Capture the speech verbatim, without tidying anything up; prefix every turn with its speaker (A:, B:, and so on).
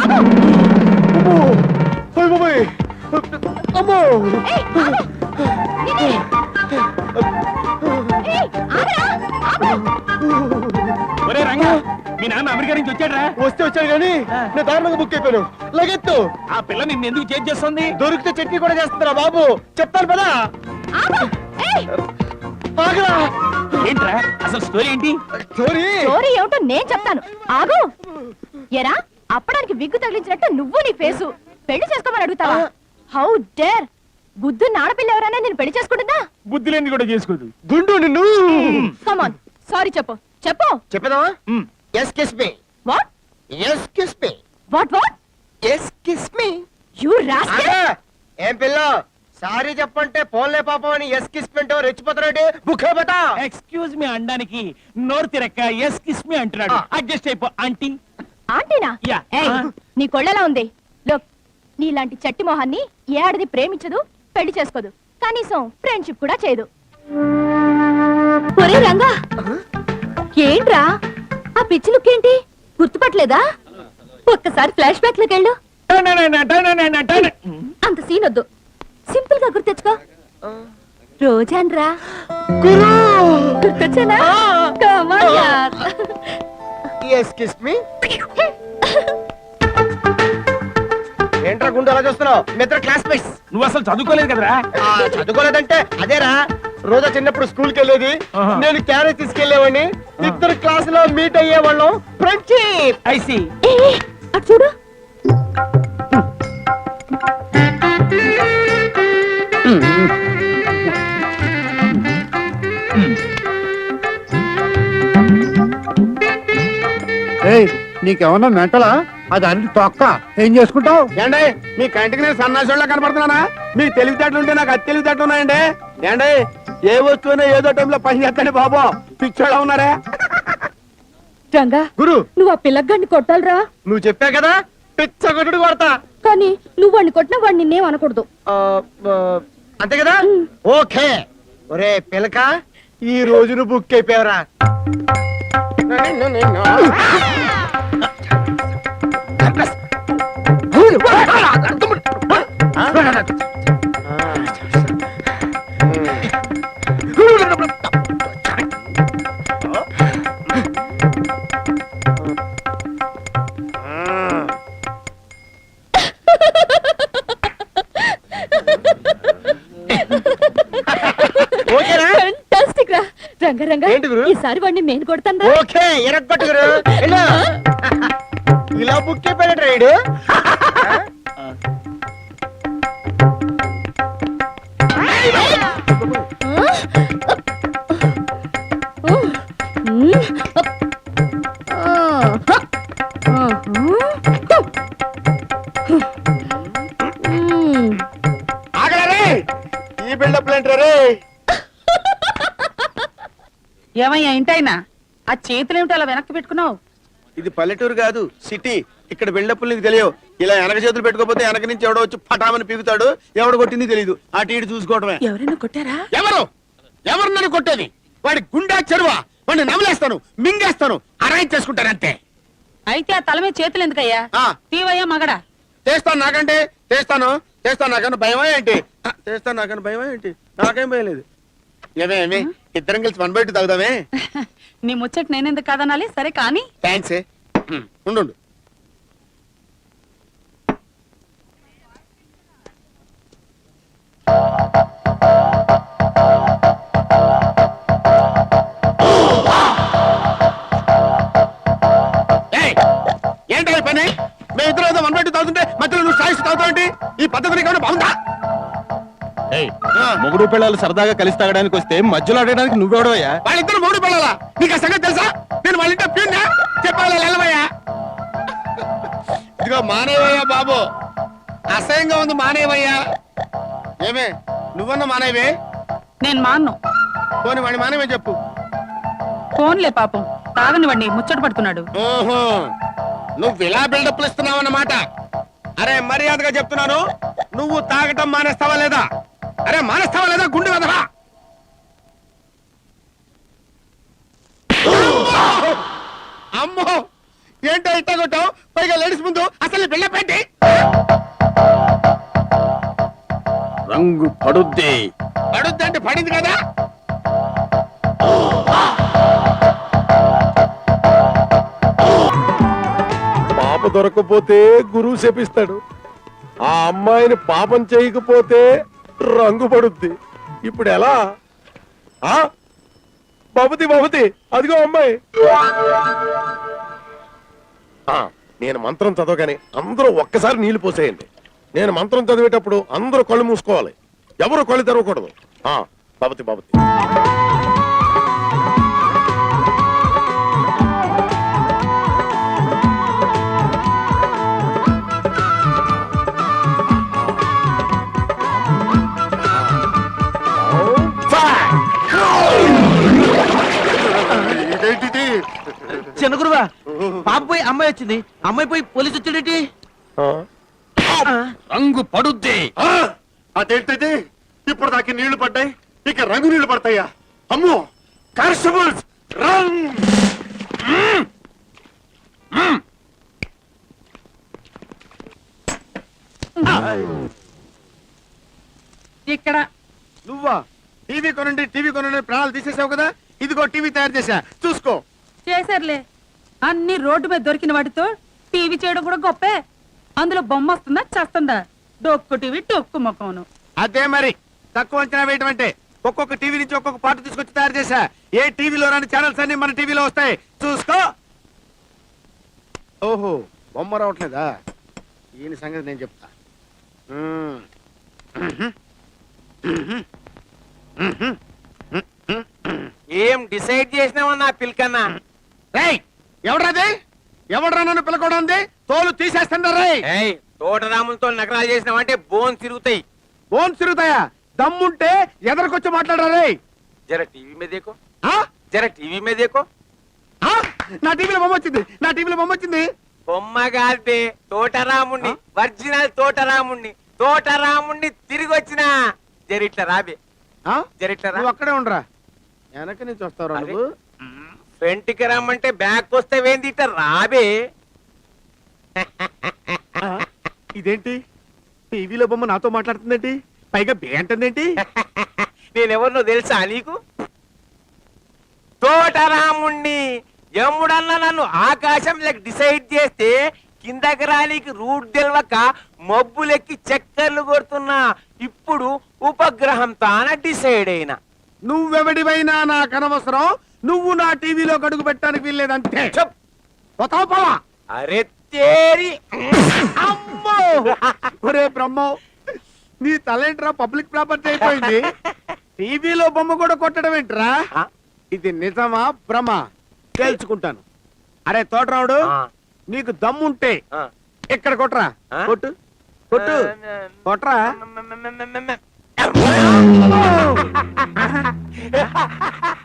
A: ఒరే రంగా, మీ నాన్న అమెరికా నుంచి వచ్చాడ్రా?
B: వస్తే వచ్చాడు కానీ నేను దారుణంగా బుక్ అయిపోయాను. లగెత్తు.
A: ఆ పిల్ల నిన్ను ఎందుకు చేంజ్ చేస్తుంది?
B: దొరికితే చట్నీ కూడా చేస్తారా బాబు? చెప్తాను పదా.
A: ఏంట్రా అసలు స్టోరీ ఏంటి?
B: స్టోరీ
C: స్టోరీ ఏమిటో నేను చెప్తాను, ఆగు. ఎరా, అప్పడానికి విగ్గు తగిలించినట్టు నువ్వు నీ ఫేసు పెళ్లి చేసుకోమని అడుగుతావా? How dare! బుద్ధున్న ఆడపిల్ల ఎవరైనా నేను పెళ్లి చేసుకుంటుందా?
A: బుద్ధి లేని కూడా చేసుకోదు.
B: గుండు నిన్ను.
C: కమాన్, సారీ చెప్పు చెప్పు.
B: చెప్పేదావా? Yes kiss me.
C: What?
B: Yes kiss me.
C: What what?
B: Yes kiss me.
C: You rascal!
B: ఏం పిల్ల, సారీ చెప్పంటే పోన్లే పాపం అని ఎస్ కిస్ పింటో రెచ్చిపోతారంటే బుక్కే బట.
A: ఎక్స్క్యూజ్ మీ అనడానికి నోరు తిరక్క ఎస్ కిస్ మీ అంటున్నాడు. అడ్జస్ట్ అయిపో ఆంటీ.
C: ఆంటీనా?
A: యా.
C: ఏయ్, నీ కొళ్ళలా ఉంది. లోక్, నీలాంటి చట్టి మొహాన్ని ఏ ఆడది ప్రేమించదు, పెళ్లి చేసుకోదు, కనీసం ఫ్రెండ్షిప్ కూడా చేయదు. ఒరే రంగా, ఏంట్రా ఆ పిచ్చి లుక్ ఏంటి? గుర్తుపట్టలేదా? ఒక్కసారి ఫ్లాష్ బ్యాక్ లోకి వెళ్ళు. అంత సీన్ వద్దు, సింపుల్ గా గుర్తెచ్చుకో. రోజాన్రా గుర్తొచ్చానా? Come on, yaar.
B: Yes kiss me. ఏంట్రా గుండు అలా చూస్తున్నావు? మిత్ర క్లాస్మేట్స్.
A: నువ్వు అసలు చదువుకోలేదు కదరా?
B: చదువుకోలేదంటే అదేరా, రోజా చిన్నప్పుడు స్కూల్ కి వెళ్ళేది, నేను క్యారేజ్ తీసుకెళ్లేవాడిని, ఇద్దరు క్లాస్ లో మీట్ అయ్యేవాళ్ళం. ఫ్రెండ్షిప్.
A: I see.
C: అటు చూడు.
D: నీకేమన్నా మెంటలా? అది అన్ని తొక్క ఏం చేసుకుంటావు?
B: ఏండే, మీ కంటికి నేను సన్నాసోళ్ళ కనపడుతున్నానా? మీ తెలివితేటలు ఉంటే నాకు అతి తెలివితేటలు ఉన్నాయండి. ఏండే, ఏ వస్తువునే ఏదో టైంలో పని చేస్తాండి బాబు. పిచ్చోడా ఉన్నారా?
C: రంగా
B: గురు,
C: నువ్వు ఆ పిల్లగాడిని కొట్టాలరా.
B: నువ్వు చెప్పా కదా పిచ్చ కొట్టుడు కొడతా.
C: కానీ నువ్వు వాడిని కొట్టినా వాడు నిన్నేం అనకూడదు.
B: అంతే కదా? ఓకే. ఒరే పిలక, ఈ రోజు నువ్వు బుక్ అయిపోయావరా.
C: ఈసారి వాడిని నేను కొడతాను.
B: ఓకే, ఎరగొట్టుగురు. ఇలా బుక్ అయిపోయాడు రైడు. ఆగలరే, ఈ బిల్డప్ ఏంటారే?
E: ఏమయ్యా ఇంటైనా ఆ చేతులేమిటి అలా వెనక్కి పెట్టుకున్నావు?
B: ఇది పల్లెటూరు కాదు, సిటీ. ఇక్కడ బిల్డప్లు నీకు తెలియవు. ఇలా వెనక చేతులు పెట్టుకోపోతే వెనక నుంచి ఎవడో వచ్చి పటామని పీకుతాడు. ఎవడు కొట్టింది తెలియదు. అటు ఇటు చూసుకోవడమే.
E: ఎవరైనా కొట్టారా?
B: ఎవరు ఎవరు నన్ను కొట్టేది? వాడి గుండా చెరువా? వాడిని నమలేస్తాను, మింగేస్తాను, అరేంజ్ చేసుకుంటాను అంతే.
E: అయితే ఆ తల మీద చేతులు ఎందుకయ్యా? తీవయ్యా మగడా.
B: చేస్తాను, నాకంటే చేస్తాను చేస్తాను నాకన్నా భయమా ఏంటి? చేస్తాను నాకన్నా భయమా ఏంటి? నాకేం భయలేదు. ఏమేమి ఇద్దరం కలిసి వన్ బై టూ తాగుదామే?
E: నీ ముచ్చట నేనెందుకు కాదనాలి? సరే కానీ.
B: థ్యాంక్స్. ఉండు. ఏంటో ఈ పని? మేము ఇద్దరు ఏదో వన్ బై టూ తాగుతుంటే మధ్యలో నువ్వు సాయిస్తూ తాగుతావేంటి? ఈ పద్ధతి నీకు బాగుందా?
F: మొగుడు పిల్లలు సరదాగా కలిసి తాగడానికి వస్తే మధ్యలో ఆడడానికి నువ్వెవడవయ్యా?
B: వాళ్ళిద్దరు మొగుడు పిల్లలా? నీకు ఆ సంగతి తెలుసా? నేను వాళ్ళ ఇంట్లో ప్యూన్నా? చెప్పాలి వెళ్ళవయ్యా. ఇదిగో మానేవయ్యా బాబు, అసహ్యంగా ఉంది, మానేవయ్యా. ఏమే నువ్వన్న మానేవే?
E: నేను మాన్ను.
B: పోనీ వాడి మానేవే చెప్పు.
E: ఫోన్లే పాపం, తాగని వాడిని ముచ్చట పడుతున్నాడు.
B: ఓహో, నువ్వు ఇలా బిల్డప్లు ఇస్తున్నావు అన్నమాట. అరే మర్యాదగా చెప్తున్నాను, నువ్వు తాగటం మానేస్తావా లేదా? అరే మానేస్తావా లేదా? గుండె వదరా. అమ్మో, ఏంటో ఇట్ట కొట్టావు? పైగా లేడీస్ ముందు అసలు బిల్డప్ ఏంటి?
F: రంగు పడుద్ది.
B: పడుద్దంటే పడింది కదా.
F: పాప దొరకపోతే గురువు శపిస్తాడు. ఆ అమ్మాయిని పాపం చేయకపోతే రంగు పడుద్ది. ఇప్పుడు ఎలా? ఆ బాబుతి బాబుతి అదిగో అమ్మాయి. ఆ, నేను మంత్రం చదవగానే అందరూ ఒక్కసారి నీళ్లు పోసేయండి. నేను మంత్రం చదివేటప్పుడు అందరూ కళ్ళు మూసుకోవాలి, ఎవరు కళ్ళు తెరవకూడదు. ఆ బాబుతి బాబుతి.
B: ఇదేంటిది?
A: చిన్న గురువా, పాప పోయి అమ్మాయి వచ్చింది, అమ్మాయి పోయి పోలీసు వచ్చాడేంటి?
F: రంగు పడుద్ది.
B: ఆ, అదేంటిది? ఇప్పుడు దాకా నీళ్లు పడ్డాయి, ఇక రంగు నీళ్లు పడతాయా? అమ్మో, కానిస్టేబుల్స్ రంగ్.
E: ఇక్కడ
B: నువ్వా? టీవీ కొనండి టీవీ కొనండి ప్రాణాలు తీసేసావు కదా, ఇదిగో టీవీ తయారు చేశా, చూసుకో.
E: చేశారులే, అన్ని రోడ్డు మీద దొరికిన వాటితో టీవీ చేయడం కూడా గొప్పే. అందులో బొమ్మ వస్తుందా చేస్తుందా? డొక్కు టీవీ డొక్కు ముఖమును.
B: అదే మరి తక్కువ అంచనా వేయటం అంటే. ఒక్కొక్క టీవీ నుంచి ఒక్కొక్క పాట తీసుకొచ్చి తయారు చేశా. ఏ టీవీలో రాని ఛానల్స్ అన్ని మన టీవీలో వస్తాయి, చూసుకో. ఓహో, బొమ్మ రావట్లేదా? ఈయన సంగతి నేను చెప్తా. మ్మ్.
G: ఏం డిసైడ్ చేసినావన్నా పిల్కన్నా?
B: రేయ్, ఎవడ్రాది? ఎవడ్రా నన్ను పిలకూడంది? తోలు తీసేస్తాను రేయ్.
G: ఏయ్, తోటరాములతో నగరాలు చేసినావంటే బోన్ తిరుగుతాయి.
B: బోన్ తిరుగుతాయా? దమ్ముంటే ఎదరికొచ్చి మాట్లాడరా రేయ్.
G: జర టీవీ మీద దేకో,
B: ఆ?
G: జర టీవీ మీద దేకో.
B: ఆ? నా టీవీలో బొమ్మ వచ్చింది, నా టీవీలో బొమ్మ వచ్చింది.
G: బొమ్మ కాల్పే తోటరాముణ్ణి, ఒరిజినల్ తోటరాముణ్ణి, తోటరాముణ్ణి తిరిగి వచ్చిన. జరిట్ల రాబే,
B: ఆ?
G: జరిట్ల రా.
B: నువ్వు అక్కడే ఉండరా, వెనక నుంచి వస్తావురా
G: అరే.
B: నువ్వు.
G: ఫ్రంట్కి రమ్మంటే బ్యాక్ వస్తే వేంది ఇట్లా రాబే.
B: ఆ? ఇదేంటి, టీవీలో బొమ్మ నాతో మాట్లాడుతుందేంటి, పైగా బే అంటుందేంటి?
G: నేనెవరినో తెలుసా నీకు? తోటరాముణ్ణి. యముడన్న నన్ను ఆకాశంలోకి డిసైడ్ చేస్తే కిందకి రానికి రూట్ తెలవక మబ్బులెక్కి చక్కర్లు కొడుతున్నా. ఇప్పుడు ఉపగ్రహం తాన డిసైడ్ అయినా.
B: నువ్వెవడివైనా నాకు అనవసరం, నువ్వు నా టీవీలో గడుగు పెట్టడానికి వీల్లేదంతే. చెప్ పోతావా పోవా?
G: అరే తేరి.
B: అమ్మో, ఒరే బ్రహ్మో, నీ తలేంట్రా పబ్లిక్ ప్రాపర్టీ అయిపోయింది. టీవీలో బొమ్మ కూడా కొట్టడం ఏంట్రా?
G: ఆ?
B: ఇది నిజమా భ్రమ తెలుసుకుంటాను. అరే తోటరావుడు,
G: ఆ.
B: నీకు దమ్ముంటే
G: ఆ.
B: ఇక్కడ కొట్రా.
G: ఆ?
B: కొట్టు కొట్టు కొట్రా.
G: మ- మ- మ- మ- మ- మ-